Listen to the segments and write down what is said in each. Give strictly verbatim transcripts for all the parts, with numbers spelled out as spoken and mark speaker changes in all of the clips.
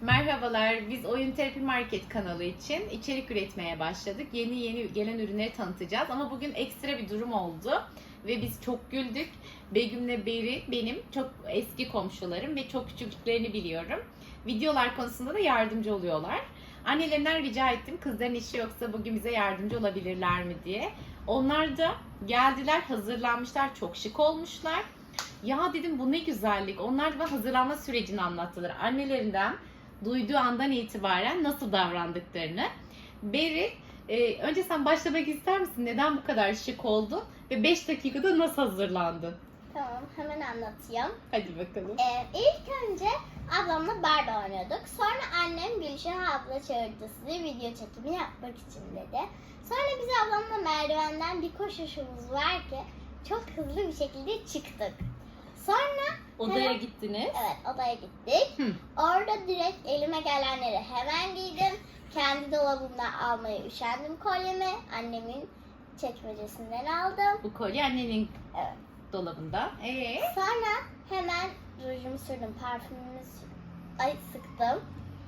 Speaker 1: Merhabalar, biz Oyun Terapi Market kanalı için içerik üretmeye başladık. Yeni yeni gelen ürünleri tanıtacağız ama bugün ekstra bir durum oldu ve biz çok güldük. Begüm'le Beri benim çok eski komşularım ve çok küçüklüklerini biliyorum. Videolar konusunda da yardımcı oluyorlar. Annelerinden rica ettim, kızların işi yoksa bugün bize yardımcı olabilirler mi diye. Onlar da geldiler, hazırlanmışlar, çok şık olmuşlar. Ya dedim bu ne güzellik. Onlar da hazırlanma sürecini anlattılar. Annelerinden duyduğu andan itibaren nasıl davrandıklarını. Beri, e, önce sen başlamak ister misin? Neden bu kadar şık oldun? Ve beş dakikada nasıl hazırlandın?
Speaker 2: Tamam, hemen anlatayım.
Speaker 1: Hadi bakalım.
Speaker 2: Ee, ilk önce ablamla Barbie oynuyorduk. Sonra annem Gülşen abla çağırdı sizi video çekimi yapmak için dedi. Sonra biz ablamla merdivenden bir koşuşumuz var ki çok hızlı bir şekilde çıktık. Sonra
Speaker 1: Odaya
Speaker 2: hemen,
Speaker 1: gittiniz.
Speaker 2: Evet, odaya gittik.
Speaker 1: Hı.
Speaker 2: Orada direkt elime gelenleri hemen giydim. Kendi dolabımdan almaya üşendim kolyemi. Annemin çekmecesinden aldım.
Speaker 1: Bu kolye annenin
Speaker 2: Evet.
Speaker 1: dolabında. Ee?
Speaker 2: Sonra hemen rujumu sürdüm, parfümümü sü- ay sıktım,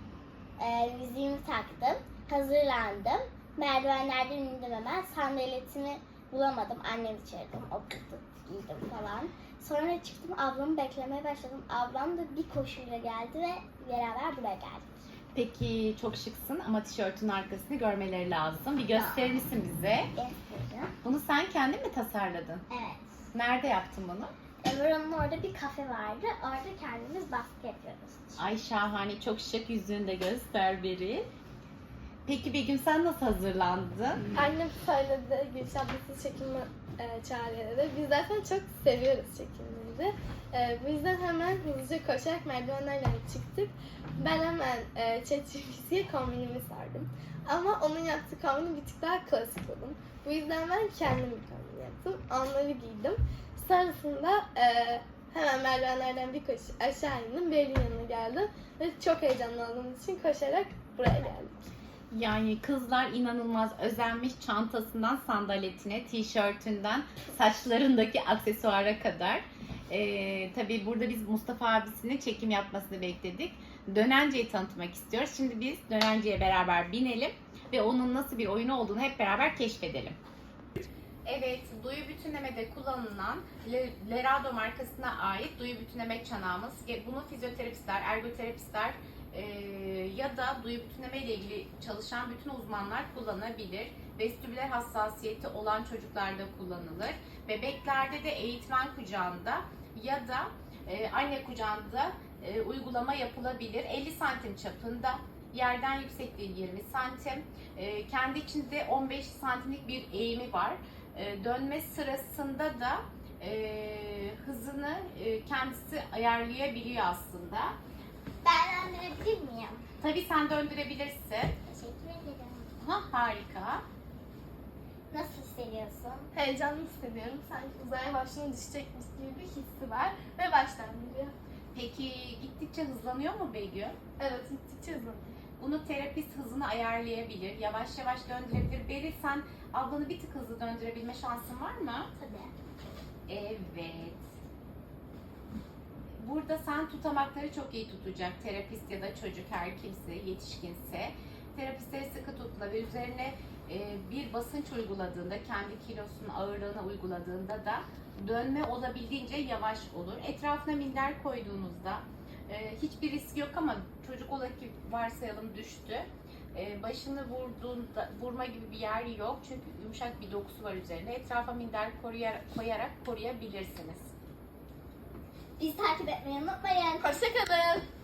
Speaker 2: ee, yüzüğümü taktım, hazırlandım. Merdivenlerden indim hemen, sandaletimi bulamadım, annemi çağırdım, oturdum, giydim falan. Sonra çıktım, ablamı beklemeye başladım. Ablam da bir koşuyla geldi ve beraber buraya geldik.
Speaker 1: Peki çok şıksın ama tişörtün arkasını görmeleri lazım. Bir gösterir misin bize?
Speaker 2: Göstereceğim.
Speaker 1: Bunu sen kendin mi tasarladın?
Speaker 2: Evet.
Speaker 1: Nerede yaptın bunu?
Speaker 2: Buranın orada bir kafe vardı, orada kendimiz baskı yapıyoruz.
Speaker 1: Ay şahane, çok şık, yüzünü de göster Beri. Peki Begüm sen nasıl hazırlandın?
Speaker 3: Annem söyledi Gülşah ablası çekimi e, çağırıyor dedi. Biz zaten çok seviyoruz çekimleri. E, bu yüzden hemen hızlıca koşarak merdivenlerden çıktık. Ben hemen e, ChatGPT'ye kombinimi sardım. Ama onun yaptığı kombini bir tık daha klasik buldum. Bu yüzden ben kendim bir kombin yaptım. Onları giydim. Sonrasında e, hemen merdivenlerden bir koş aşağı indim. Beril'in yanına geldim. Ve çok heyecanlı olduğum için koşarak buraya geldik.
Speaker 1: Yani kızlar inanılmaz özenmiş, çantasından sandaletine, tişörtünden saçlarındaki aksesuara kadar. Ee, tabii burada biz Mustafa abisinin çekim yapmasını bekledik. Dönence'yi tanıtmak istiyoruz. Şimdi biz Dönence'ye beraber binelim ve onun nasıl bir oyunu olduğunu hep beraber keşfedelim. Evet, duyu bütünlemede kullanılan Lerado markasına ait duyu bütünleme çanağımız. Bunu fizyoterapistler, ergoterapistler e, ya da duyu bütünleme ile ilgili çalışan bütün uzmanlar kullanabilir. Vestibüler hassasiyeti olan çocuklarda kullanılır. Bebeklerde de eğitmen kucağında ya da e, anne kucağında e, uygulama yapılabilir. elli santim çapında. Yerden yüksekliği yirmi santim. E, kendi içinde on beş santimlik bir eğimi var. E, dönme sırasında da e, hızını e, kendisi ayarlayabiliyor aslında.
Speaker 2: Ben döndürebilir miyim?
Speaker 1: Tabii sen döndürebilirsin.
Speaker 2: Teşekkür ederim.
Speaker 1: Ha, harika.
Speaker 2: Nasıl hissediyorsun?
Speaker 3: Heyecanlı hissediyorum. Sanki uzaya başına düşecekmiş gibi bir hissi var ve baştan geliyor.
Speaker 1: Peki gittikçe hızlanıyor mu Begüm?
Speaker 3: Evet, gittikçe hızlanıyor.
Speaker 1: Bunu terapist hızını ayarlayabilir, yavaş yavaş döndürebilir. Beri sen ablanı bir tık hızlı döndürebilme şansın var mı?
Speaker 2: Tabii.
Speaker 1: Evet. Burada sen tutamakları çok iyi tutacak. Terapist ya da çocuk her kimse, yetişkinse. Terapistleri sıkı tutla ve üzerine e, bir basınç uyguladığında, kendi kilosunun ağırlığına uyguladığında da dönme olabildiğince yavaş olur. Etrafına minder koyduğunuzda e, hiçbir risk yok ama çocuk ola ki varsayalım düştü. E, başını vurduğunda, vurma gibi bir yer yok çünkü yumuşak bir dokusu var üzerinde. Etrafa minder koruyarak, koyarak koruyabilirsiniz.
Speaker 2: Bizi takip etmeyi unutmayın.
Speaker 3: Hoşçakalın.